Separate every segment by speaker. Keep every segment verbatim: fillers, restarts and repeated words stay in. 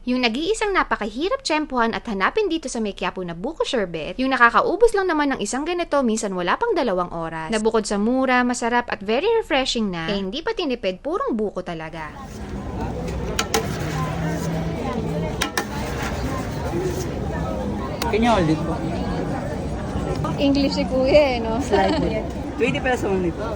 Speaker 1: Yung nag-iisang napakahirap tsempuhan at hanapin dito sa may Quiapo na buko sherbet, yung nakakaubos lang naman ng isang ganito minsan wala pang dalawang oras. Na bukod sa mura, masarap at very refreshing na, eh hindi pa tinipid, purong buko talaga.
Speaker 2: Can you hold it po?
Speaker 1: English si kuya eh, no?
Speaker 2: Slightly. twenty pesos only po.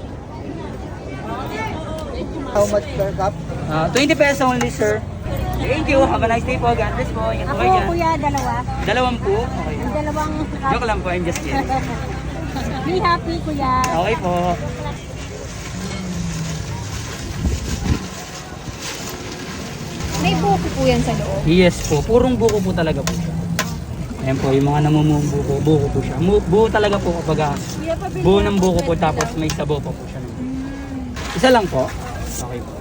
Speaker 3: How much per cup?
Speaker 2: Ah, twenty pesos only, sir. Thank you. Have a nice day po. God bless po. Ingat po
Speaker 4: Ako,
Speaker 2: kayo dyan.
Speaker 4: kuya, dalawa.
Speaker 2: Dalawang po. Okay.
Speaker 4: Yung dalawang...
Speaker 2: Joke lang po. I'm just kidding.
Speaker 4: Be happy, kuya.
Speaker 2: Okay po.
Speaker 1: May buko po yan sa loob.
Speaker 2: Yes po. Purong buko po talaga po siya. Ayan po, yung mga namumubuko, buko po siya. Mu- Buo talaga po kapag ah, buo ng buko po tapos may sabo pa po siya. Isa lang po. Okay po.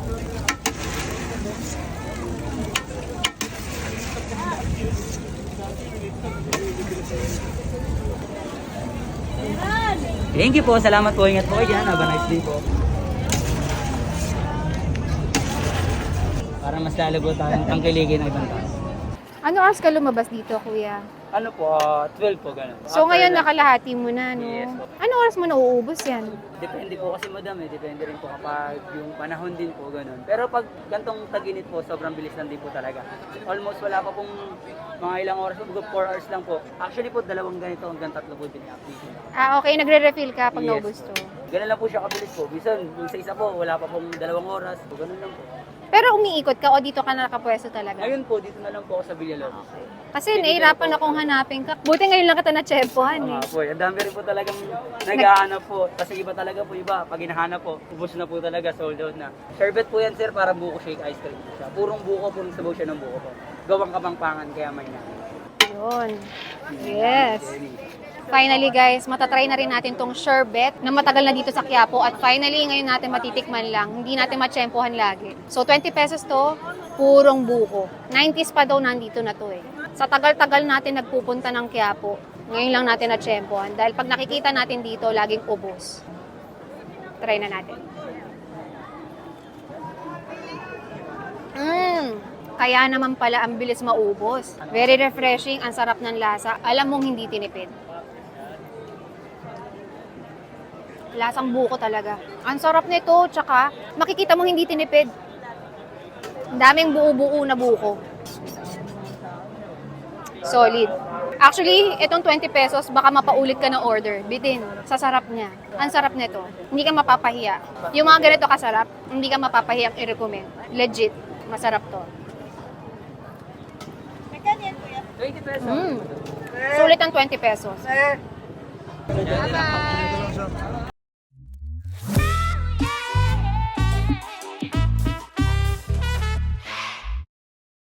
Speaker 2: Thank you po. Salamat po. Ingat po kayo dyan. Have a nice day po. Para mas lalo po tayong tangkiligin ng ibang tao.
Speaker 1: Ano oras ka lumabas dito, kuya?
Speaker 2: Ano po, ah, twelve po ganun.
Speaker 1: So
Speaker 2: After
Speaker 1: ngayon
Speaker 2: lunch.
Speaker 1: nakalahati mo na, no?
Speaker 2: Yes po.
Speaker 1: Ano oras mo nauubos yan?
Speaker 2: Depende po kasi madam eh, depende rin po kapag yung panahon din po ganun. Pero pag gantong tag-init po, sobrang bilis lang din po talaga. Almost wala pa pong mga ilang oras po, four hours lang po. Actually po, dalawang ganito hanggang tatlo po din i-update.
Speaker 1: Ah, okay. Nagre-refill ka pag
Speaker 2: Yes
Speaker 1: naubos
Speaker 2: po.
Speaker 1: to.
Speaker 2: Ganun lang po siya kabilis po. Bisan, yung sa isa po, wala pa pong dalawang oras. Po, ganun lang po.
Speaker 1: Pero umiikot ka o dito ka na nakapwesto talaga?
Speaker 2: Ngayon po, dito na lang po ako sa Villalobos.
Speaker 1: Kasi nahihirapan akong hanapin ka. Buti ngayon lang kita na-tsempohan eh.
Speaker 2: Mga po, ang dami rin po talagang naghahanap po. Kasi iba talaga po, iba. Pag hinahanap po, ubos na po talaga, sold out na. Sherbet po yan sir, para buko shake ice cream po siya. Purong buko, purong sabaw siya ng buko po. Gawang kapangpangan, kaya may na.
Speaker 1: Yun. Yes. Finally guys, matatry na rin natin tong sherbet na matagal na dito sa Quiapo at finally ngayon natin matitikman lang. Hindi natin matsempohan lagi. So twenty pesos to, purong buko. nineties pa daw nandito na to eh. Sa tagal-tagal natin nagpupunta ng Quiapo, ngayon lang natin natsempohan dahil pag nakikita natin dito, laging ubos. Try na natin. Mmm! Kaya naman pala ang bilis maubos. Very refreshing, ang sarap ng lasa. Alam mong hindi tinipid. Lasang buko talaga. Ang sarap nito, tsaka makikita mo hindi tinipid. Ang daming buo-buo na buko. Solid. Actually, itong twenty pesos, baka mapaulit ka ng order. Bitin, sa sarap niya. Ang sarap nito. Hindi ka mapapahiya. Yung mga ganito kasarap, hindi ka mapapahiyang i-recommend. Legit, masarap to.
Speaker 2: twenty pesos.
Speaker 1: Mm. Sulit ang twenty pesos.
Speaker 3: Eh,
Speaker 1: Bye-bye!